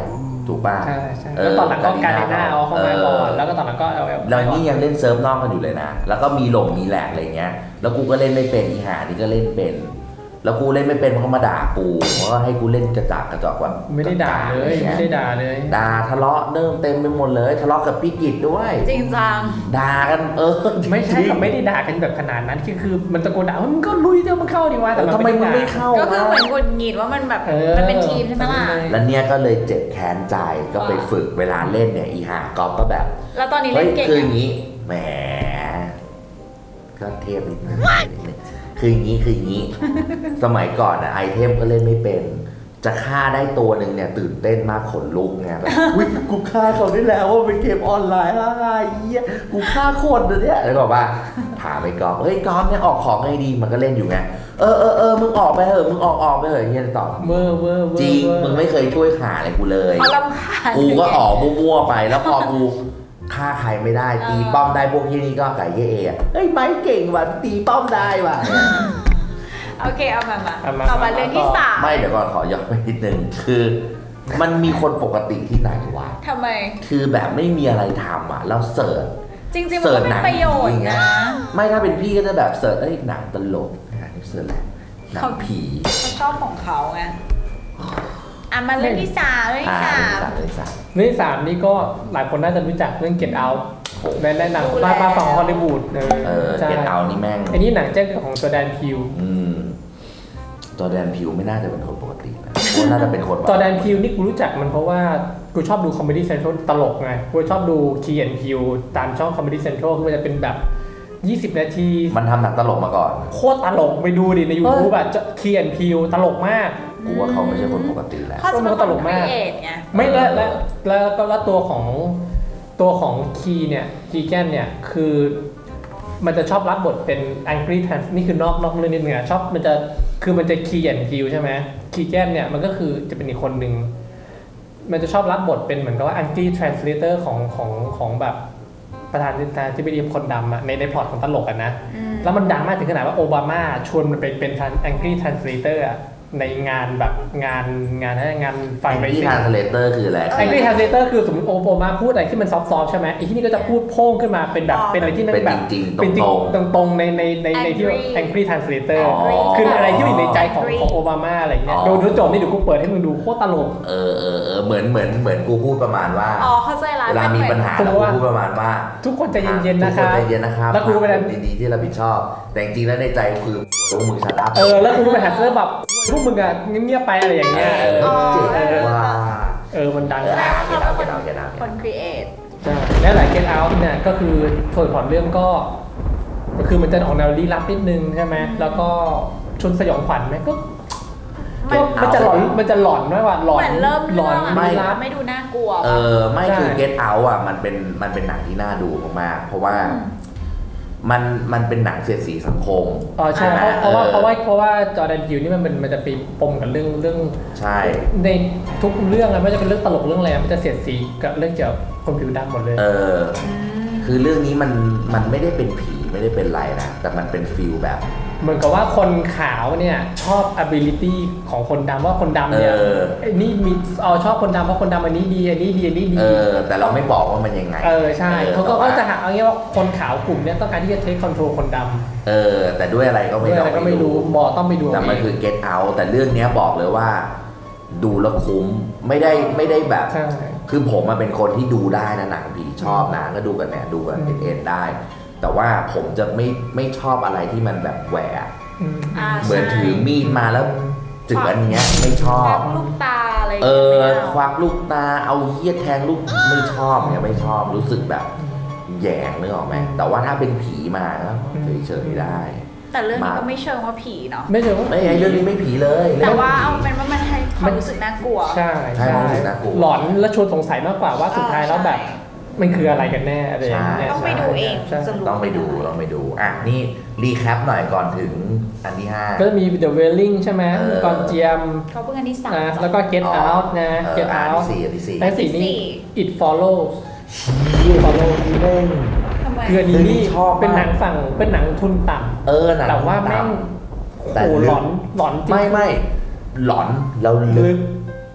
[SPEAKER 1] ถูกป่ะ
[SPEAKER 2] ใช่ใช่แล้วตอนหลังก็การในหน้าเอาเข้ามาก่อนแล้วก็ตอนหลังก็เอา
[SPEAKER 1] แล้วนี่ยังเล่นเซิร์ฟนอกกันอยู่เลยนะแล้วก็มีหลงมีแหลกอะไรเงี้ยแล้วกูก็เล่นไม่เป็นอีหานี่ก็เล่นเป็นแล้วกูเล่นไม่เป็นเขามาด่ากูเพราะว่าให้กูเล่นกระจากกระจอกว่า
[SPEAKER 2] ไม่ได้ด่าเลยไม่ได้ด่าเลย
[SPEAKER 1] ด่าทะเลาะเริ่มเต็มไปหมดเลยทะเลาะกับพี่กิจด้วย
[SPEAKER 3] จริงจัง
[SPEAKER 1] ด่ากันเออ
[SPEAKER 2] ไม่ใช่ค่ะไม่ได้ด่ากันแบบขนาดนั้นคือคือมันตะโกนด่ามึงก็ลุยเดี๋ยวมึงเข้าดีวะแต่
[SPEAKER 1] ทำไมมึงไม่เข้า
[SPEAKER 3] ก็คือเหมือนกุญงิดว่ามันแบบมันเป็นทีมใช่ไหมล่ะ
[SPEAKER 1] แล้วเนี่ยก็เลยเจ็บแค้นใจก็ไปฝึกเวลาเล่นเนี่ยอีหากอล์ฟก็แบบ
[SPEAKER 3] แล้วตอนนี้เล่นเก่ง
[SPEAKER 1] คืออย่างนี้แหมก็เทพนิดนึงคืออย่างนี้คืออย่างนี้สมัยก่อนนะไอเทมก็เล่นไม่เป็นจะฆ่าได้ตัวหนึ่งเนี่ยตื่นเต้นมากขนลุกไงแบบอุ้ยกูฆ่าเขาได้แล้วว่าเป็นเกมออนไลน์อะไรเงี้ยกูฆ่าคนเนี่ยแล้วบอกว่าถามไอ้กอล์ฟเฮ้ยกอล์ฟเนี่ยออกของไงดีมันก็เล่นอยู่ไงเออเออเออมึงออกไปเถอะมึงออกออกไปเถอะเงี้ยตอบ
[SPEAKER 2] เวอร์เวอร์
[SPEAKER 1] จริงมึงไม่เคยช่วยหาอะไรกูเลยกูก็ออกมั่วๆไปแล้วพอกูฆ่าใครไม่ได้ตีป้อมได้พวกที่นี่ก็ไก่เย่เอเฮ้ยไม้เก่งว่ะตีป้อมได้ว่ะ
[SPEAKER 3] โอเคเอามามาต่อมาเรื่องที่สาม
[SPEAKER 1] ไม่เดี๋ยวก่อนขอย้อนไปนิดนึงคือมันมีคนปกติที่ไหนวะ
[SPEAKER 3] ทำไม
[SPEAKER 1] คือแบบไม่มีอะไรทำอ่ะแล้วเสิร์ช
[SPEAKER 3] จริงๆมันเป็นประโยชน์นะ
[SPEAKER 1] ไม่ถ้าเป็นพี่ก็จะแบบเสิร์ชเอ้ยหนังตลกนะเสิร์ชแหละหนังผี
[SPEAKER 3] เขาชอบของเขาไงอ่ะมาเรื่องที่สามเรื่องที่สาม
[SPEAKER 2] เรื่องที่สามนี่ก็หลายคนน่าจะรู้จักเรื่อง Get Out ในในหนังมามาฝั่งฮอลลีวูด
[SPEAKER 1] เออ Get Out นี่แม่ง
[SPEAKER 2] อันนี้หนังแจ้งของจอร์แดนพิว
[SPEAKER 1] จอร์แดนพิวไม่น่าจะเป็นคนปกตินะเพราะน่าจะเป็นคน
[SPEAKER 2] จอร์แดนพิวนี่กูรู้จักมันเพราะว่ากูชอบดูคอมเมดี้เซ็นทรัลตลกไงกูชอบดูคีแอนด์พิวตามช่องคอมเมดี้เซ็นทรัลคือมันจะเป็นแบบยี่สิบนาที
[SPEAKER 1] มันทำหนังตลกมาก่อน
[SPEAKER 2] โคตรตลกไปดูดิใน YouTube แบบคีแอนด์พิวตลกมาก
[SPEAKER 1] กูว่าเขาไม่ใช่คนปกติแล้ว
[SPEAKER 3] เขาตลกมาก
[SPEAKER 2] ไม่แล้วแล้วแล้วก็แล้วตัวของตัวของคีเนี่ยคีแกนเนี่ยคือมันจะชอบรับบทเป็น Angry Trans นี่คือนอกนอกเรื่องนิดนึงอะชอบมันจะคือมันจะคีแอนด์พิวใช่ไหมคีแกนเนี่ยมันก็คือจะเป็นอีกคนหนึ่งมันจะชอบรับบทเป็นเหมือนกับว่า Angry Translator ของของของแบบประธานาธิบดีคนดำอะในในพล็อตของตลกอะนะแล้วมันดังมากถึงขนาดว่าโอบามาชวนมันไปเป็น Angry Translator อะในงานแบบงานงานงาน
[SPEAKER 1] ฟังเบสิก Angry Translator คืออะไร
[SPEAKER 2] Angry Translator คือสมมติโอบามาพูดอะไรที่มันซอฟต์ๆใช่ไหมไอ้ที่นี่ก็จะพูดโพ่งขึ้นมาเป็นแบบเป็นอะไรที่มันแบบ
[SPEAKER 1] เป็นจริง
[SPEAKER 2] ตรงๆในในในในที่ Angry Translator คืออะไรที่อยู่ในใจของของโอบามาอะไรเงี้ยดูดูจบนี่เดี๋ยวกูเปิดให้มึงดูโคตรตลก
[SPEAKER 1] เออเออเออเหมือนเหมือนเหมือนกูพูดประมาณว่า
[SPEAKER 3] อ๋อเข้าใจละ
[SPEAKER 1] เวลามีปัญหาแล้วกูพูดประมาณว่า
[SPEAKER 2] ทุกคนใจเย็นๆนะครับ
[SPEAKER 1] ทุกคนใจเย็นนะครับ
[SPEAKER 2] แล้วกูเป็น
[SPEAKER 1] ดีๆที่รับผิดชอบแต่จริงๆแล้วในใจคือพวกมึงชัดอัพ
[SPEAKER 2] เออแล้วกูเป็นแฮชแท็กแบบพวกมึงอะเงียบๆไปอะไรอย่างเงี้ยเออ
[SPEAKER 1] ว่า
[SPEAKER 2] เออมันดัง
[SPEAKER 1] เก็ตเอาเก็ตเอาเก็ตเอา
[SPEAKER 3] คนครีเอท
[SPEAKER 2] ใช่และหลายเก็ตเอาเนี่ยก็คือส่วนของเรื่องก็ก็คือมันจะออกแนวลี้ลับนิดนึงใช่ไหมแล้วก็ชนสยองขวัญไหมก็มันจะหลอนมันจะหลอนไหมว่าหลอน
[SPEAKER 3] หลอนไม่ไม่ดูน่ากลัว
[SPEAKER 1] เออไม่คือ Get Out อ่ะมันเป็นมันเป็นหนังที่น่าดูมากๆเพราะว่ามันมันเป็นหนังเสียดสีสังคม
[SPEAKER 2] อ๋อใช่เพราะว่าเพราะว่าเพราะว่าจอร์แดนพิวนี่มันเป็นมันจะไปปมกับเรื่องเรื่อง
[SPEAKER 1] ใช่
[SPEAKER 2] ในทุกเรื่องอะไม่ว่าจะเป็นเรื่องตลกเรื่องอะไรมันจะเสียดสีกับเรื่องเกี่ยวกับคนผิวดำหมดเลย
[SPEAKER 1] เออคือเรื่องนี้มันมันไม่ได้เป็นผีไม่ได้เป็นไรนะแต่มันเป็นฟีลแบบ
[SPEAKER 2] เหมือนกับว่าคนขาวเนี่ยชอบ ability ของคนดำว่าคนดำเนี่ยนี่มีเอาชอบคนดำเพราะคนดำอันนี้ดีอันนี้ดีอันนี้ดี
[SPEAKER 1] เออแต่เราไม่บอกว่ามันยังไง
[SPEAKER 2] เออใช่เขาก็จะหาเอางี้ว่าคนขาวกลุ่มเนี้ยต้องการที่จะ take control คนด
[SPEAKER 1] ำเออแต่ด้วยอะไรก็ไม่
[SPEAKER 2] รู้ก็ไม่รู้หมอต้องไปดู
[SPEAKER 1] แต่มันคือ Get Out แต่เรื่องนี้บอกเลยว่าดูแล้วคุ้มไม่ได้ไม่ได้แบบคือผมมาเป็นคนที่ดูได้นะหนังผีชอบนะก็ดูกันเนี่ยดูกันเอ็นได้แต่ว่าผมจะไม่ไม่ชอบอะไรที่มันแบบแหวกเหมือนถือมีดมาแล้วจึกอันเนี้ยไม่ชอบ
[SPEAKER 3] ลูกตาอะไร
[SPEAKER 1] เออควักลูกตาเอาเหี้ยแทงลูกไม่ชอบเนี่ยไม่ชอบรู้สึกแบบแยงนึกออกไหมแต่ว่าถ้าเป็นผีมาแล้วเฉยๆได้
[SPEAKER 3] แต่เรื่องนี้ก็ไม่เชิงว่าผีเนาะ
[SPEAKER 2] ไม่เชิงว่า
[SPEAKER 1] ไม่ไอเรื่องนี้ไม่ผีเลย
[SPEAKER 3] แต่ว่าเอาเป็นว่ามันให้ความรู้สึกน่ากลัว
[SPEAKER 2] ใช่
[SPEAKER 1] ใช่รู้สึกน่ากลัว
[SPEAKER 2] หลอนและชวนสงสัยมากกว่าว่าสุดท้ายแล้วแบบมันคืออะไรกันแน่อะไรอย่างเงี้ย
[SPEAKER 3] ต้องไปดูเอง
[SPEAKER 1] ต้องไปดูต้องไปดูอ่ะนี่รีแคปหน่อยก่อนถึงอันที่ห้า
[SPEAKER 2] ก็มี The Wailing ใช่ไหมก่อนเจียม
[SPEAKER 3] เขาเพิ่งอันที่สาม
[SPEAKER 2] แล้วก็ Get Out นะ Get Out
[SPEAKER 1] อันที่สี่อันที่สี่
[SPEAKER 2] อันที่สี่นี่ It Follows It Follows
[SPEAKER 1] นี่เล่น
[SPEAKER 2] คืออันนี้นี่เป็นหนังฝั่งเป็นหนังทุนต่ำ
[SPEAKER 1] เออหนัง
[SPEAKER 2] แต่ว่าแม่งโหหลอนหลอนจริง
[SPEAKER 1] ไม่ไม่หลอนแล้วลึก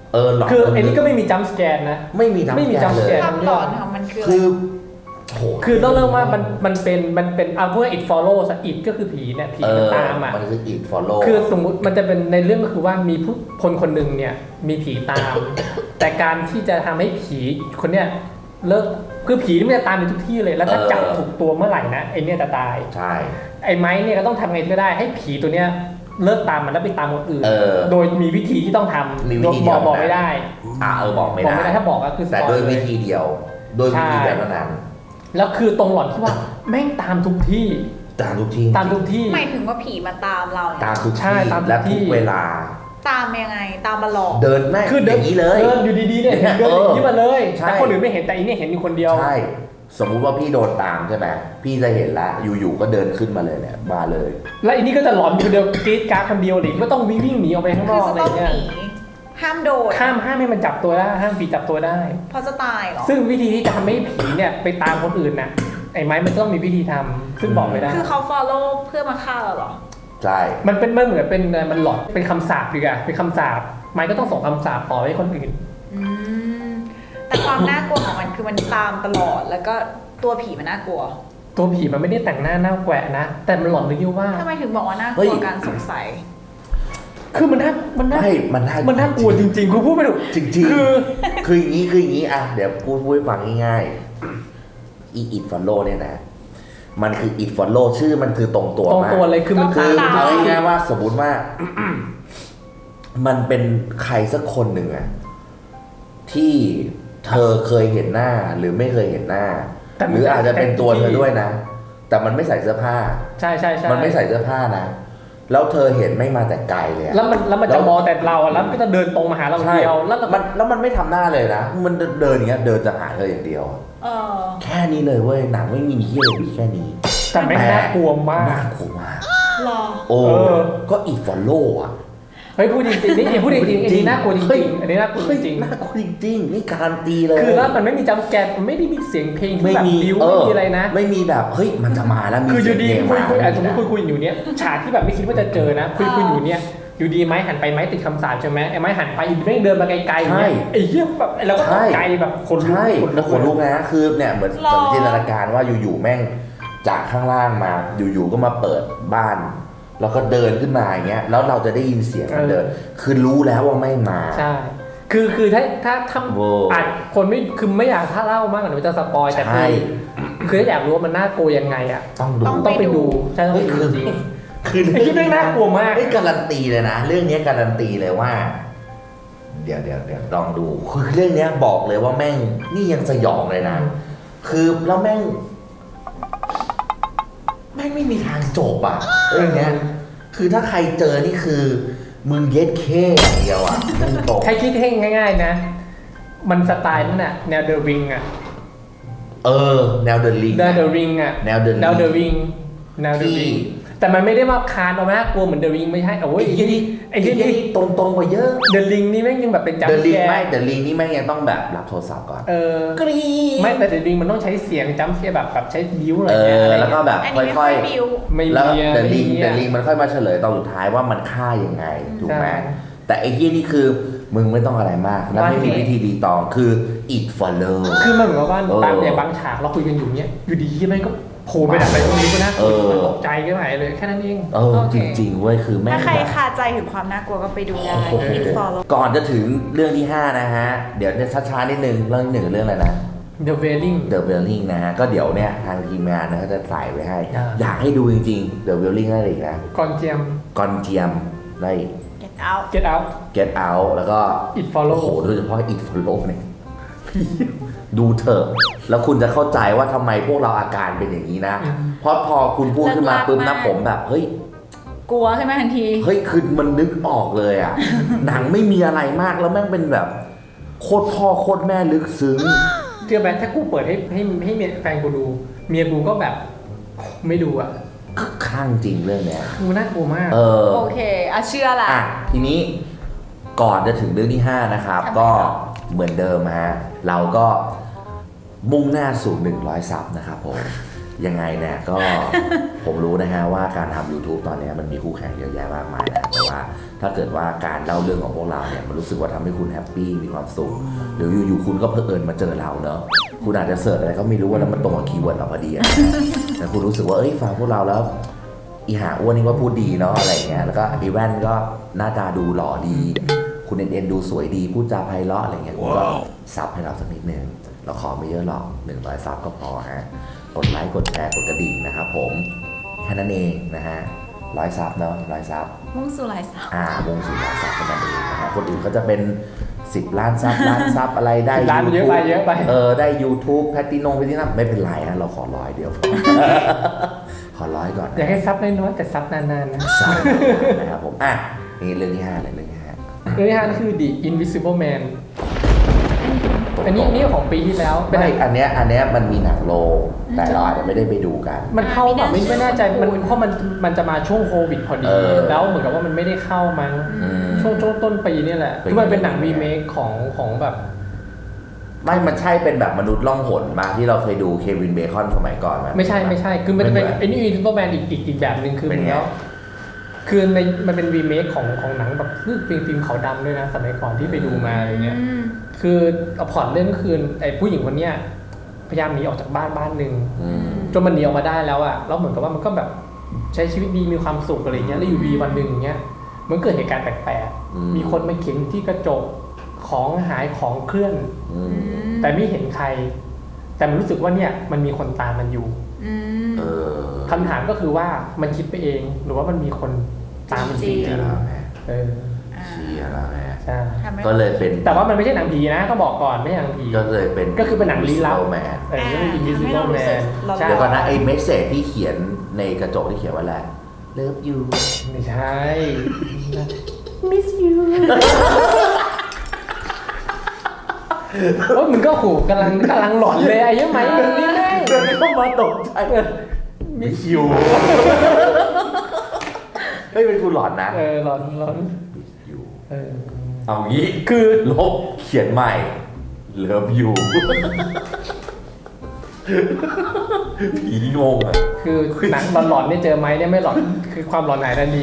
[SPEAKER 1] เออหลอน
[SPEAKER 2] คือไอ้นี่ก็ไม่มีจัมป์สแกนนะ
[SPEAKER 1] ไม่มีจัมป์
[SPEAKER 2] ไม่มี
[SPEAKER 1] สแก
[SPEAKER 2] จั
[SPEAKER 1] น
[SPEAKER 2] มป์
[SPEAKER 1] เล
[SPEAKER 2] ส
[SPEAKER 1] ย
[SPEAKER 2] แกน
[SPEAKER 3] ความหลอนของมันคือ
[SPEAKER 1] คือโห
[SPEAKER 2] คือต้องเริ่มว่ามันมันเป็นมันเป็นเอาพวก it follows it ก็คือผีเนี่ยผีมันตามอ่ะ
[SPEAKER 1] มันคือ it follow
[SPEAKER 2] คือสมมุติมันจะเป็นในเรื่องก็คือว่ามีผู้คนคนหนึ่งเนี่ยมีผีตาม แต่การที่จะทำให้ผีคนเนี้ยเลิกคือผีนี่มันจะตามไปทุกที่เลยแล้วถ้า
[SPEAKER 1] เออ
[SPEAKER 2] จับถูกตัวเมื่อไหร่นะไอเนี่ยจะตาย
[SPEAKER 1] ใช่
[SPEAKER 2] ไอ้ไม้เนี่ยก็ต้องทำไงก็ได้ให้ผีตัวเนี้ยเลิกตามมันแล้วไปตามคนอื่น
[SPEAKER 1] เออ
[SPEAKER 2] โดยมีวิธีที่ต้องท
[SPEAKER 1] มี
[SPEAKER 2] ำ
[SPEAKER 1] วิธี
[SPEAKER 2] บอก
[SPEAKER 1] เดียว
[SPEAKER 2] บอก
[SPEAKER 1] นะ
[SPEAKER 2] ไม่ได้
[SPEAKER 1] อ่าเออบอกไม่
[SPEAKER 2] บอก
[SPEAKER 1] ได้
[SPEAKER 2] ไม่ได้ถ้าบอกก็คือส
[SPEAKER 1] แต่
[SPEAKER 2] ปอย
[SPEAKER 1] โดย
[SPEAKER 2] เล
[SPEAKER 1] วิ
[SPEAKER 2] ย
[SPEAKER 1] ธีเดียว โดยวิธี
[SPEAKER 2] ใช่
[SPEAKER 1] เดียวเท่านั้น
[SPEAKER 2] แล้วคือตรงหลอนที่ว่าแม่งตามทุกที่
[SPEAKER 1] ตามทุกที่
[SPEAKER 2] ตามทุกที่
[SPEAKER 3] หมายถึงว่าผีมาตามเราเนี่ย
[SPEAKER 1] ตามทุก
[SPEAKER 2] ใช่
[SPEAKER 1] ที่
[SPEAKER 2] ตามทุก
[SPEAKER 1] และ
[SPEAKER 2] ที่
[SPEAKER 1] ทุกเวลา
[SPEAKER 3] ตามยังไงตามมาหลอก
[SPEAKER 1] เดินแม่ง
[SPEAKER 2] คือ
[SPEAKER 1] อ
[SPEAKER 2] เดิน
[SPEAKER 1] ย่างนี้เลย
[SPEAKER 2] เดินอยู่ดีๆเนี่ยเห็นเดินอย่างนี้มาเลย
[SPEAKER 1] ใช่
[SPEAKER 2] แต่คนอื่นไม่เห็นแต่อีเนี่ยเห็นอยู่คนเดียว
[SPEAKER 1] ใช่ สมมุติว่าพี่โดนตามใช่ไหมพี่จะเห็นแล้วอยู่ๆก็เดินขึ้นมาเลยเนี่ยมาเลย
[SPEAKER 2] แล้วอีนี่ก็จะหลอนอยู่คนเดียวกรีดกราร์ดคนเดียวหรือก็ต้องวิ่งวิ่งหนีออกไปข้างน
[SPEAKER 3] คือ
[SPEAKER 2] อก
[SPEAKER 3] จะ
[SPEAKER 2] อะไร
[SPEAKER 3] ต้อง
[SPEAKER 2] เงี้
[SPEAKER 3] ห
[SPEAKER 2] ย
[SPEAKER 3] นีห้ามโดด
[SPEAKER 2] ห้ามห้ามให้มันจับตัวได้ห้ามผีจับตัวได้
[SPEAKER 3] เพราะจะตายเหรอ
[SPEAKER 2] ซึ่งวิธีที่จะทำให้ผีเนี่ยไปตามคนอื่นน่ะไอ้ไม้มันต้องมีวิธีทำซึ่งบอกไม่ได้
[SPEAKER 3] คือเขา follow เพื่อมาฆ่าเราเหรอ
[SPEAKER 1] ใช่
[SPEAKER 2] มันเป็นมันเหมือนเป็นมันหลอนเป็นคำสาปดีกว่าเป็นคำสาปไม้ก็ต้องส่งคำสาปต่อให้คนอื่น
[SPEAKER 3] อืมแต่ความน่ากลัวของมันคือมันตามตลอดแล้วก็ตัวผีมันน่ากลัว
[SPEAKER 2] ตัวผีมันไม่ได้แต่งหน้าหน้าแกวะนะแต่มันหลอนเลยที่ว่า
[SPEAKER 3] ทำไมถึงบอกว่าน่ากลัวการสงสัย
[SPEAKER 2] คือมันน่ามันน่า
[SPEAKER 1] ไม่มันน่า
[SPEAKER 2] มันน่ากลัวจริงๆคุณพูดไม่ถูก
[SPEAKER 1] จริงๆ
[SPEAKER 2] คือ
[SPEAKER 1] คืออย่างนี้คืออย่างนี้อ่ะเดี๋ยวพูดพูดให้ฟังง่ายๆอีอิดฟอลโล่เนี่ยนะมันคืออิดฟอลโล่ชื่อมันคือตรงตัว
[SPEAKER 2] ตรง
[SPEAKER 1] มาก
[SPEAKER 2] ตัวเลยคือมัน
[SPEAKER 1] คือ
[SPEAKER 3] ตาม
[SPEAKER 1] เอาง่ายๆว่าสมมติว่า มันเป็นใครสักคนหนึ่งอะที่เธอเคยเห็นหน้าหรือไม่เคยเห็นหน้า หรืออาจจะเป็นตัวเธอด้วยนะ แต่มันไม่ใส่เสื้อผ้า
[SPEAKER 2] ใช่ใช่ใช่
[SPEAKER 1] มันไม่ใส่เสื้อผ้านะ แล้วเธอเห็นไม่มาแต่ไกลเลยอะ
[SPEAKER 2] แล้วมันแล้วมันจะมองแต่เราอะแล้วมันก็จะเดินตรงมาหาเรา
[SPEAKER 1] ใช่
[SPEAKER 2] เดียวแล้วเราก็
[SPEAKER 1] มันแล้วมันไม่ทำหน้าเลยนะ มันเดินอย่างเงี้ย เดินจะหาเธออย่างเดียว
[SPEAKER 3] เออ
[SPEAKER 1] แค่นี้เลยเว้ย หนังไม่มีเฮียเลยมีแค่นี้
[SPEAKER 2] แต่ไม่งน่ากลัวมาก
[SPEAKER 1] น่ากลัวมาก
[SPEAKER 3] หรอ
[SPEAKER 1] โอ้
[SPEAKER 2] เออ
[SPEAKER 1] ก็อีฟอลโล่อะ
[SPEAKER 2] เฮ้ยพูดจริงๆนี่พูดจริงๆอันนี้น่ากลัวจ
[SPEAKER 1] เฮ้ย
[SPEAKER 2] ริงๆอันนี้น่ากลัวจริง
[SPEAKER 1] น่ากลัวจริงๆนี่การันตีเลย
[SPEAKER 2] ๆคือแล้วมันไม่มีจัมป์สแกร์มันไม่ได้มีเสียงเพลงที่
[SPEAKER 1] ไม่
[SPEAKER 2] แบบ
[SPEAKER 1] มี
[SPEAKER 2] บิ้ว
[SPEAKER 1] เอ
[SPEAKER 2] ไม่
[SPEAKER 1] อ
[SPEAKER 2] มีอะไรนะ
[SPEAKER 1] ไม่มีแบบเฮ้ยมันจะมาแล้วมี
[SPEAKER 2] คืออยู่ดี
[SPEAKER 1] เสีง
[SPEAKER 2] คุย
[SPEAKER 1] เพลง
[SPEAKER 2] คุย
[SPEAKER 1] มา
[SPEAKER 2] อ่ะสมมติคุยคุยอยู่เนี้ยฉากที่แบบไม่คิดว่าจะเจอนะคุยคุยอยู่เนี้ยอยู่ดีไม้หันไปไม้ติดคำสาปใช่ไหมไอ้ไม้หันไปอีกเรื่องเดินมาไกลๆอย่างเงี้ยไอ้เหี้ยแบบเราก็ตกใจแบบคนลุก
[SPEAKER 1] ใช่
[SPEAKER 2] คน
[SPEAKER 1] แล้วขนลุกนะคือเนี่ยเหมือน
[SPEAKER 3] หรอ
[SPEAKER 1] เหมือนจินตนาการว่าอยู่ๆแม่งจากข้างล่างมาอยู่ๆก็มาเปิดบ้าน แล้วก็เดินขึ้นมาอย่างเงี้ยแล้วเราจะได้ยินเสียงมันเดิน คือรู้แล้วว่าไม่มา
[SPEAKER 2] ใช่คือคือถ้าถ้าถ้า
[SPEAKER 1] โว้
[SPEAKER 2] อาจคนไม่คือไม่อยากถ้าเล่ามากกว่านี้จะสปอยแต่
[SPEAKER 1] ใช่
[SPEAKER 2] คือคือถ้าอยากรู้ว่ามันน่ากลัวยังไงอ่ะ
[SPEAKER 1] ต้องดู
[SPEAKER 3] ต้อง
[SPEAKER 2] ต้องไปดูใช่ต้อง
[SPEAKER 1] เฮ้
[SPEAKER 2] ไป
[SPEAKER 1] ย
[SPEAKER 2] ดู
[SPEAKER 1] คือ
[SPEAKER 2] จริง
[SPEAKER 1] คือ
[SPEAKER 2] ไอ้ที่แม่งน่ากลัวมาก
[SPEAKER 1] เฮ้ยการันตีเลยนะ เรื่องนี้การันตีเลยว่า เดี๋ยวเดี๋ยวเดี๋ยวลองดูคือเรื่องเนี้ยบอกเลยว่าแม่งนี่ยังสยองเลยนะ คือแล้วแม่ง แม่งไม่มีทางจบอ่ะเรื่องเนี้ย คือถ้าใครเจอนี่คือมึงเย็ดเคอย่างเดียวอ่ะมึงตก
[SPEAKER 2] ใครคิดให้ง่ายๆนะ มันสไตล์นั่นน่ะแนวเดอะริงอ่ะ
[SPEAKER 1] เออ แนวเดอะลิง
[SPEAKER 2] แนวเดอะริงอ่ะ
[SPEAKER 1] แนวเดอะ
[SPEAKER 2] แนวเดอะริงแนวเดอะ
[SPEAKER 1] ที่
[SPEAKER 2] ริงแต่มันไม่ได้มาคานออกมาน่ากลัวเหมือนเดอะริงไม่ใช่โอ้ย
[SPEAKER 1] ไอ้
[SPEAKER 2] ไอ้
[SPEAKER 1] ที่
[SPEAKER 2] ที่
[SPEAKER 1] นี่
[SPEAKER 2] ไอ้
[SPEAKER 1] ไอ้
[SPEAKER 2] ที่
[SPEAKER 1] ที่
[SPEAKER 2] นี่
[SPEAKER 1] นี่ตรงตรงๆกว่าเยอะ
[SPEAKER 2] เดอะริงนี่แม่งยังแบบเป็นจัม
[SPEAKER 1] เดอะ
[SPEAKER 2] ป์
[SPEAKER 1] ลิ
[SPEAKER 2] แก
[SPEAKER 1] ง
[SPEAKER 2] ร์
[SPEAKER 1] ไม่เดอะลิงนี่แม่งยังต้องแบบรับโทรศัพท์ก่อน
[SPEAKER 2] เออก
[SPEAKER 1] รี๊ด
[SPEAKER 2] ไม่แต่เดอะริงมันต้องใช้เสียงจัมป์แกร์แบบแบบใช้บิ้วอะไร
[SPEAKER 1] เอ
[SPEAKER 2] เงี้ย
[SPEAKER 1] อ
[SPEAKER 2] อะไร
[SPEAKER 1] แล้วก็
[SPEAKER 2] เงี้ย
[SPEAKER 1] แบบ
[SPEAKER 3] อัน
[SPEAKER 1] ค่
[SPEAKER 3] นี้ไม่ค่
[SPEAKER 1] อ
[SPEAKER 3] อย ยบิว
[SPEAKER 2] ไม่
[SPEAKER 1] ๆ แล้ว
[SPEAKER 2] มีอะ
[SPEAKER 1] เดอะลิง
[SPEAKER 2] ไม่มี
[SPEAKER 1] เด
[SPEAKER 2] อะ
[SPEAKER 1] อะลิงมันค่อยมาเฉลยตอนสุดท้ายว่ามันฆ่ายังไงถูกไหม
[SPEAKER 2] ใช่
[SPEAKER 1] แต่ไอ้ที่นี่คือมึงไม่ต้องอะไรมากแล้วไม่มีวิธีดีตองคือ it follow
[SPEAKER 2] คือมันเหมือนกับว่า
[SPEAKER 1] เออ
[SPEAKER 2] บางอย่างบางฉากเราคุยกันอยู่เนี้ยอยู่ดีๆแม่งก็โผล่ไปดักอะไรตรงนี้ก็น่ากลัว
[SPEAKER 1] เออ
[SPEAKER 2] มันตกใจก็ไหนเลยแค่นั้นเอง
[SPEAKER 1] เออ
[SPEAKER 3] โอ
[SPEAKER 1] จ
[SPEAKER 3] เค
[SPEAKER 1] ริงๆเว้ยคือแม่ง
[SPEAKER 3] ถ้าใคร
[SPEAKER 1] แบบ
[SPEAKER 3] คาใจถึงความน่ากลัวก็ไปดูได้
[SPEAKER 1] โอ้โห
[SPEAKER 3] It Follow
[SPEAKER 1] ก่อนจะถึงเรื่องที่ห้านะฮะ เดี๋ยวเนี่ยช้าๆนิดนึงเรื่องที่หนึ่งเรื่องอะไรนะ
[SPEAKER 2] The Wailing
[SPEAKER 1] The Wailing นะฮะ ก็เดี๋ยวเนี่ยทางทีมงานนะเขาจะใส่ไว้ให้
[SPEAKER 2] อ่า
[SPEAKER 1] อยากให้ดูจริงๆ The Wailing ได้อีกนะ
[SPEAKER 2] ก่อนเจียม
[SPEAKER 1] กอนเจียมได้อีก
[SPEAKER 3] Get Out
[SPEAKER 2] Get Out
[SPEAKER 1] Get Out แล้วก็
[SPEAKER 2] It Follow
[SPEAKER 1] โอ้โหโดยเฉพาะ It Follow เนี่ยดูเถอะ แล้วคุณจะเข้าใจว่าทำไมพวกเราอาการเป็นอย่างนี้นะ
[SPEAKER 2] อืม
[SPEAKER 1] เพราะพอคุณพูดขึ้นมาปุ๊บนะผมแบบ เฮ้ย
[SPEAKER 3] กลัวใช่ไหมทันที
[SPEAKER 1] เฮ้ยคือมันนึกออกเลยอ่ะ หนังไม่มีอะไรมากแล้วแม่งเป็นแบบโคตรพ่อโคตรแม่ลึกซึ้ง
[SPEAKER 2] เชื่อไหมถ้ากูเปิดให้ให้ให้เมียแฟนกูดู เมียกูก็แบบไม่ดูอ่ะ
[SPEAKER 1] คือคลั่งจริงเรื่องเนี้ย
[SPEAKER 2] กูน่ากลัวมาก
[SPEAKER 1] เออ
[SPEAKER 3] โอเคอ่ะเชื่อละ
[SPEAKER 1] อ่ะทีนี้ก่อนจะถึงเรื่องที่ห้านะครับ
[SPEAKER 3] ทำไม
[SPEAKER 1] ก็
[SPEAKER 3] ครับ
[SPEAKER 1] เหมือนเดิมฮะเราก็มุ่งหน้าสู่หนึ่งร้อยซับนะครับผมยังไงเนี่ยก็ ผมรู้นะฮะว่าการทำ YouTube ตอนนี้มันมีคู่แข่งเยอะแยะมากมายนะแต่ว่าถ้าเกิดว่าการเล่าเรื่องของพวกเราเนี่ยมันรู้สึกว่าทำให้คุณแฮปปี้มีความสุขหรืออยู่ๆคุณก็เพลินมาเจอเราเนอะคุณอาจจะเสิร์ชอะไรก็ไม่รู้ว่าแล้วมันตรงกับคีย์เวิร์ดเราพอดีนะแต่คุณรู้สึกว่าเอ้ยฟังพวกเราแล้วอีหาอ้วนนี่ก็พูดดีเนาะอะไรเงี้ยแล้วก็อีแว่นก็หน้าตาดูหล่อดีคุณเอ็นเอ็นดูสวยดีพูดจาไพเราะอะไรเงี้ยคุณก็ซับให้เราสักนิดนึงเราขอไม่เยอะหรอกหนึ่งร้อยซับก็พอฮะกดไลค์กดแชร์กดกระดิ่งนะครับผมแค่นั้นเองนะฮะร้อยซับเนาะร้อยซับ
[SPEAKER 3] มุ่งสู่หลายสาว
[SPEAKER 1] อ่าวงสู่ร้อยซับแค่นั้นเองนะฮะคนอื่นก็จะเป็นสิบล้านซับล้านซับอะไรได้
[SPEAKER 2] ล้านเยอะไปเยอะไป
[SPEAKER 1] เออได้ YouTube แพตตินงแพตตินัมไม่เป็นไรฮะเราขอร้อยเดียว ขอร้อยก่อน
[SPEAKER 2] อยากให้ซับน้อยๆแต่ซับนานๆนะ
[SPEAKER 1] ซับนะครับผมอ่ะนี่เรื่องที่ห้าเลยเรื่องที่ห้า
[SPEAKER 2] เรื่องที่ห้าคือ The Invisible Man อันนี้นี่ของปีที่แล้วเป็น
[SPEAKER 1] ไม่อันเนี้ยอันเนี้ยมันมีหนังโรงแต่เราอาจจะไม่ได้ไปดูกัน
[SPEAKER 2] มันเข้าแบบไม่ไม่แน่ใจมันเพราะมันมันจะมาช่วงโควิดพอดี
[SPEAKER 1] เออ
[SPEAKER 2] แล้วเหมือนกับว่ามันไม่ได้เข้ามั้ง
[SPEAKER 1] อืม
[SPEAKER 2] ช่วงช่วงต้นปีนี่แหละ
[SPEAKER 1] เป็น
[SPEAKER 2] คือมันเป็นหนังรีเมคของของแบบ
[SPEAKER 1] ไม่มันใช่เป็นแบบมนุษย์ล่องหนมาที่เราเคยดูเควินเบคอนสมัยก่อนไหม
[SPEAKER 2] ไม่ใช่ไม่ใช่คือมันจะเป็น
[SPEAKER 1] ไม่เหมือน
[SPEAKER 2] ไอ้นี่ซูเปอร์แมนอีกอีกอีกแบบหนึ่งคือ
[SPEAKER 1] เป็
[SPEAKER 2] เหมื
[SPEAKER 1] น
[SPEAKER 2] อน
[SPEAKER 1] ไง
[SPEAKER 2] แล้วคือในมันเป็นรีเมคของของหนังแบบคือฟิล์มฟิล์มขาวดำด้วยนะสมัยก่อนที่ไปดูมาอะไรเงี้ย
[SPEAKER 3] อืม
[SPEAKER 2] คือเอาพล็อตเรื่องก็คือไอ้ผู้หญิงคนเนี้ยพยายามหนีออกจากบ้านบ้านหนึ่ง
[SPEAKER 1] อืม
[SPEAKER 2] จนมันหนีออกมาได้แล้วอะแล้วเหมือนกับว่ามันก็แบบใช้ชีวิตดีมีความสุขอะไรเงี้ยแล้วอยู่ดีวันหนึ่งอย่างเงี้ยมันเกิดเหตุการณ์แปลก
[SPEAKER 1] อืม
[SPEAKER 2] ๆมีคนมาเขียนที่กระจกของหายของเคลื่อน
[SPEAKER 1] อืม
[SPEAKER 2] แต่ไม่เห็นใคร แต่มันรู้สึกว่าเนี่ยมันมีคนตามมันอยู่
[SPEAKER 3] อืม
[SPEAKER 1] เออ
[SPEAKER 2] คำถามก็คือว่ามันคิดไปเองหรือว่ามันมีคนตามมันจริง
[SPEAKER 1] เชียร์แล้วไง
[SPEAKER 2] ๆเออ
[SPEAKER 3] อ่า
[SPEAKER 1] เชียร์แล้วไง
[SPEAKER 2] ใช่
[SPEAKER 3] ทำให้
[SPEAKER 1] ก็เลยเป็น
[SPEAKER 2] แต่ว่ามันไม่ใช่หนังผีนะต้องบอกก่อนไม่ใช่หนังผี
[SPEAKER 1] ก็เลยเป็น
[SPEAKER 2] ก็คือเป็นหนังลี้ลับ
[SPEAKER 1] แมน
[SPEAKER 2] เออเรื่อง Invisible Man ใช่
[SPEAKER 1] เดี๋ยวก่อนนะไอ้เมสเซจที่เขียนในกระจกที่เขียนว่าอะไร Love you
[SPEAKER 2] ไม่ใช่ Miss you โอ้ยมึงก็โหกำลังกำลังหลอนเลยไอ้ยังไหมมึงนี่แม่ง
[SPEAKER 1] เดินเข้ามาตกใจ Miss you เฮ้ยเป็นกูหลอนนะ
[SPEAKER 2] เออหลอนหลอน
[SPEAKER 1] Miss you
[SPEAKER 2] เออ
[SPEAKER 1] เอางี้
[SPEAKER 2] คือ
[SPEAKER 1] ลบเขียนใหม่ Love you ผีงงอ่ะ
[SPEAKER 2] คือหนังหลอนๆเนี่ยเจอไหมเนี่ยไม่หลอนคือความหลอนไหนทันที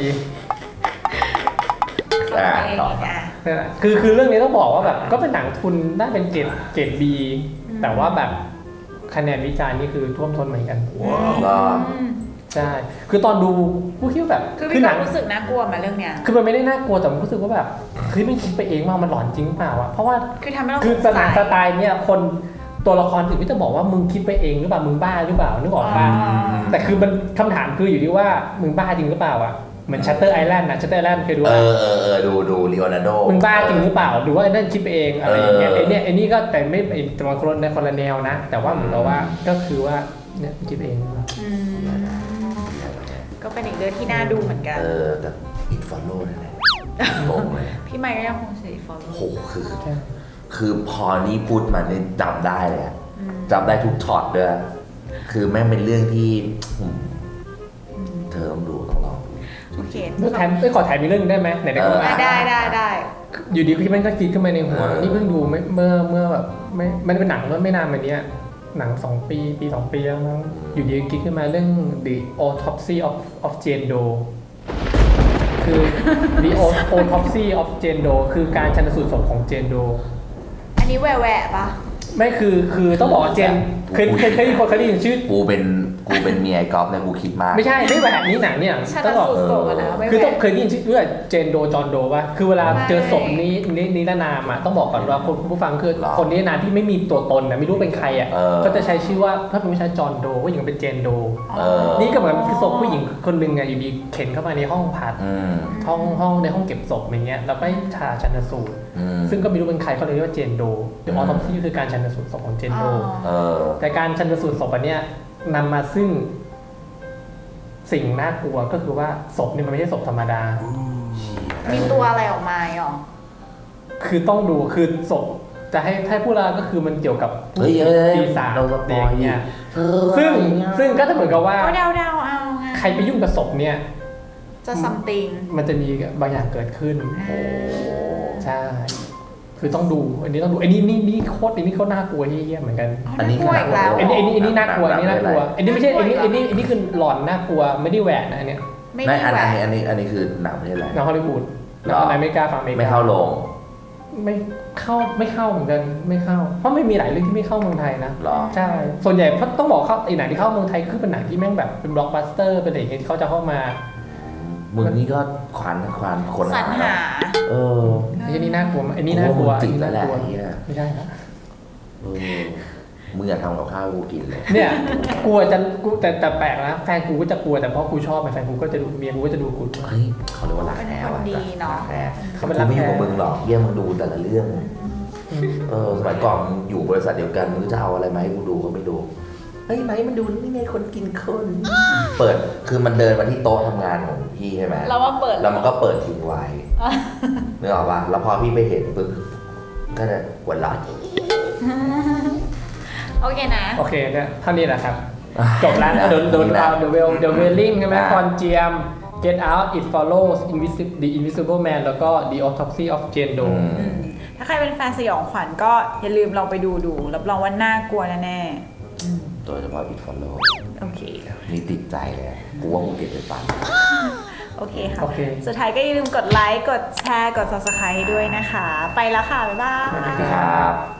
[SPEAKER 1] อ่า
[SPEAKER 3] เอง
[SPEAKER 1] ต่อ
[SPEAKER 3] อ่ะ
[SPEAKER 2] นั่นแหละคือคือเรื่องนี้ต้องบอกว่าแบบก็เป็นหนังทุนได้เป็นเกรดเกรด B แต่ว่าแบบคะแนนวิจารณ์นี่คือท่วมท้นเหมือนกัน
[SPEAKER 1] ก็
[SPEAKER 3] อืม
[SPEAKER 2] ใช่คือตอนดูผู้คิดว่าแบบ
[SPEAKER 3] คือ
[SPEAKER 2] คื
[SPEAKER 3] พี่
[SPEAKER 2] ห
[SPEAKER 3] ก็
[SPEAKER 2] นัง
[SPEAKER 3] รู้สึกน่ากลัวมาเรื่องเนี้ย
[SPEAKER 2] คือมันไม่ได้น่ากลัวแต่มันรู้สึกว่าแบบเฮ้ยมันคิดไปเองว่ามันหลอนจริงเปล่าวะเพราะว่า
[SPEAKER 3] คือทำให้เรา
[SPEAKER 2] คือ
[SPEAKER 3] ส
[SPEAKER 2] ส
[SPEAKER 3] ง
[SPEAKER 2] ไต
[SPEAKER 3] สัย
[SPEAKER 2] ล์สไตล์เนี่ยคนตัวละครอื่นก็จะบอกว่ามึงคิดไปเองหรือเปล่ามึงบ้าหรือเปล่านึกออกป่ะ
[SPEAKER 3] อ๋อ
[SPEAKER 2] แต่คือมันคำถามคืออยู่ที่ว่ามึงบ้าจริงหรือเปล่าอ่ะเหมือนชัตเตอร์ไอแลนด์นะชัตเตอร์ไอแลนด์เคยดู
[SPEAKER 1] เอ
[SPEAKER 2] ว่า
[SPEAKER 1] อเออเออดูดูลีโอนาร์โด
[SPEAKER 2] มึงบ้าจริงหรือเปล่าหรือว่าไอ้นั่นคิดไปเองอะไรอย่างเงี้ย
[SPEAKER 1] เออ
[SPEAKER 2] ไอ้เนี่ยไอ้นี่ก็แต่ไม่ไอ้แต่มันคนในคนละแนวนะ แต่ว่าเหมือนกับว่าก็คือว่าเนี่ยคิดไปเอง
[SPEAKER 3] อืมก็เป็นอีกเรื่องที่น่าดูเหมือนกัน
[SPEAKER 1] เออแต่อินฟอลโล่นั่นแหละงงเลย
[SPEAKER 3] พี่ไมค์ก็ยังคงสีฟอล
[SPEAKER 1] โหคือ คือพอนี่พูดมาเนี่ยจำได้เลยอะจำได้ทุกช็อตด้วยคือแม่งเป็นเรื่องที่อืมเธอต้องดูต้องลองดู
[SPEAKER 3] โอเค
[SPEAKER 2] เมื่อแถมไม่ขอถ่ายมีเรื่องนึงได้ไหมไหนๆก็
[SPEAKER 1] เออ
[SPEAKER 2] มา
[SPEAKER 3] ได้ได้ได้
[SPEAKER 2] อยู่ดีพี่มันก็คิดขึ้นมาในหัว
[SPEAKER 1] เออ
[SPEAKER 2] นี่เพิ่งดูไม่เมื่อเมื่อแบบไม่มันเป็นหนังเมื่อไม่นานมาเนี้ยหนังสองปีปีสองปีแล้วมั้งอยู่ดีคิดขึ้นมาเรื่อง The Autopsy of of Jane Doe คือ The Autopsy of Jane Doe คือการชันสูตรศพของ Jane Doe
[SPEAKER 3] อันนี้แหวะแหวะปะ
[SPEAKER 2] ไม่คือคือต้องบอกว่าเจนเคยเคยเคยได้ยินคนเคยได้ยินชื่อ
[SPEAKER 1] กูเป็นกูเป็นเมียไอ้ก๊อฟเนี่ยกูคิดมาก
[SPEAKER 2] ไม่ใช่ไม่แบบนี้หนังเนี่ย
[SPEAKER 3] ชัน
[SPEAKER 2] ต้องบอก
[SPEAKER 3] สูตรศพอะนะไม่
[SPEAKER 2] คือ
[SPEAKER 3] แห
[SPEAKER 2] ต้อง
[SPEAKER 3] วะ
[SPEAKER 2] เคยได้ยินชื่อด้วยเจนโดจอนโดป่ะคือเวลา
[SPEAKER 3] ไม่
[SPEAKER 2] เจอศพนี้นี้นิรนามอ่ะต้องบอกก่อนว่าคุณผู้ฟังคือคนนี้นามที่ไม่มีตัวตนนะไม่รู้เป็นใครอ่ะ
[SPEAKER 1] เออ
[SPEAKER 2] ก็จะใช้ชื่อว่าถ้าเป็นผู้ชายจอนโดผู้หญิงเป็นเจนโด
[SPEAKER 1] เออ
[SPEAKER 2] นี่ก็เหมือนคือศพผู้หญิงคนหนึ่งไงอยู่ดีเข็นเข้ามาในห้องผ่า
[SPEAKER 1] อืม
[SPEAKER 2] ห้องห้องในห้องเก็บศพอย่างเงี้ยแล้วก็ชาชันสูตร
[SPEAKER 1] อืม
[SPEAKER 2] ซึ่งก็ไม่รู้เป็นใครเขาเลยเรียกว่าเจนโดเดี๋ยวออทอปซี่คือการชันสูตรศพของเจนโด
[SPEAKER 1] เออ
[SPEAKER 2] แต่การชันสูตรศพอันเนี้ยนำมาซึ่งสิ่งน่ากลัวก็คือว่าศพนี่มันไม่ใช่ศพธรรมดา
[SPEAKER 3] มีตัวอะไรออกมาหรอ
[SPEAKER 2] คือต้องดูคือศพจะให้ให้พูดแล้วก็คือมันเกี่ยวกับ
[SPEAKER 1] เฮ้ยเฮ้ย
[SPEAKER 2] ปีศาจ
[SPEAKER 1] เราสป
[SPEAKER 2] เด็
[SPEAKER 1] อก ย
[SPEAKER 2] เนี่ย
[SPEAKER 1] เธอ
[SPEAKER 2] ซึ่งซึ่งก็จะเหมือนกับว่า
[SPEAKER 3] ก็เดาเดาๆเอาไง
[SPEAKER 2] ใครไปยุ่งกับศพเนี่ย
[SPEAKER 3] จะซัมติง
[SPEAKER 2] มันจะมีบางอย่างเกิดขึ้น
[SPEAKER 1] โอ้
[SPEAKER 2] ใช่คือต้องดูอันนี้ต้องดูอันนี้นี่นี่โคตรอันนี้โคตรน่ากลัวเหี้ยเหมือนกัน
[SPEAKER 1] อันนี้
[SPEAKER 3] กลัวอีกแล้ว
[SPEAKER 2] อันนี้อันนี้อันนี้น่ากลัวอันนี้น่ากลัวอันนี้ไม่ใช่อันนี้อันนี้อันนี้คือหลอนน่ากลัวไม่ได้แหวกนะอันเนี้ย
[SPEAKER 3] ไม่
[SPEAKER 1] ไม่
[SPEAKER 3] มี
[SPEAKER 1] อัน
[SPEAKER 3] แหว
[SPEAKER 1] อัน
[SPEAKER 3] ก
[SPEAKER 1] นี้อันนี้อันนี้คือหนังประเทศอะไร
[SPEAKER 2] หนังฮอลลีวูดหนังอเมริกาฝั่งอเมริกา
[SPEAKER 1] ไม่เข้าโรง
[SPEAKER 2] ไม่เข้าไม่เข้าเหมือนกันไม่เข้าเพราะไม่มีหลายเรื่องที่ไม่เข้าเมืองไทยนะ
[SPEAKER 1] หรอ
[SPEAKER 2] ใช่ส่วนใหญ่เพราะต้องบอกเข้าไอ้หนังที่เข้าเมืองไทยคือเป็นหนังที่แม่งแบบเป็นบล็อกบัสเตอร์เป็นอะไรอย่างเงี้ยที่เขาจะเข้ามา
[SPEAKER 1] มึงนี่ก็ขวานขวานคน
[SPEAKER 3] สรรหา
[SPEAKER 1] เออ
[SPEAKER 2] ไอ้นี่น่ากลัวไอ้นี่น่ากลัว
[SPEAKER 1] โอ้โหจิต
[SPEAKER 2] อันนี้
[SPEAKER 1] แล้วแหละ
[SPEAKER 2] น่ากลัว
[SPEAKER 1] ไอ้เหี้ย
[SPEAKER 2] ไม่ใช่นะ
[SPEAKER 1] เออมึงอย่าทำกับข้าวให้กูกินเลย
[SPEAKER 2] เนี่ยกลัวจะกูแต่แต่แปลกนะแฟนกูก็จะกลัวแต่เพราะกูชอบไงแฟนกูก็จะดูเมียกูก็จะดูกู
[SPEAKER 1] เฮ้ยเขาเรียกว่ารักแท้
[SPEAKER 3] เป็นคน
[SPEAKER 1] ว่ะ
[SPEAKER 3] ดีเนาะ
[SPEAKER 1] รักแท้
[SPEAKER 2] เขาเป็
[SPEAKER 1] กู
[SPEAKER 2] นรัก
[SPEAKER 1] ไม่
[SPEAKER 2] แท้
[SPEAKER 1] อยู่กับมึงหรอกเยี่ยมึงดูแต่ละเรื่อง
[SPEAKER 2] อืม
[SPEAKER 1] เออสมัยก่อนมึงอยู่บริษัทเดียวกันมึงจะเอาอะไรมาให้กูดูก็ไม่ดูเฮ้ยไหนมันดูนี่ไงคนกินคน เปิดคือมันเดินมาที่โต๊ะทำงานของพี่ใช่ไหม
[SPEAKER 3] เราว่าเปิด
[SPEAKER 1] แล้วมันก็เปิดทิ้งไว้นึกออกป่ะแล้วพอพี่ไปเห็นปึ๊บก็จะหัวเราะ
[SPEAKER 3] โอเคนะ
[SPEAKER 2] โอเคเนี่ยเท่านี้แหละครับจบแล้วโดนโดนเอา The Well The Wailing ใช่ไหม
[SPEAKER 1] อ่า
[SPEAKER 2] คอนเจียม Get Out It Follows Invisible The Invisible Man แล้วก็ The Autopsy of Jane
[SPEAKER 1] อื
[SPEAKER 2] Doe
[SPEAKER 1] ม
[SPEAKER 3] อืมถ้าใครเป็นแฟนสยองขวัญก็อย่าลืมลองไปดูดูรับรองว่าน่ากลัวแน่ๆอืม
[SPEAKER 1] โดยเฉพาะ It Follow
[SPEAKER 3] โอเค
[SPEAKER 1] นี่ติดใจเลยอะกูว่ากูเก็บไปฟัง
[SPEAKER 3] โอเคค่ะ
[SPEAKER 2] โอเค
[SPEAKER 3] สุดท้ายก็อย่าลืมกดไลค์ กดแชร์ กด ซับสไครบ์ ด้วยนะคะ ไปแล้วค่ะ บ๊ายบาย
[SPEAKER 1] ครับ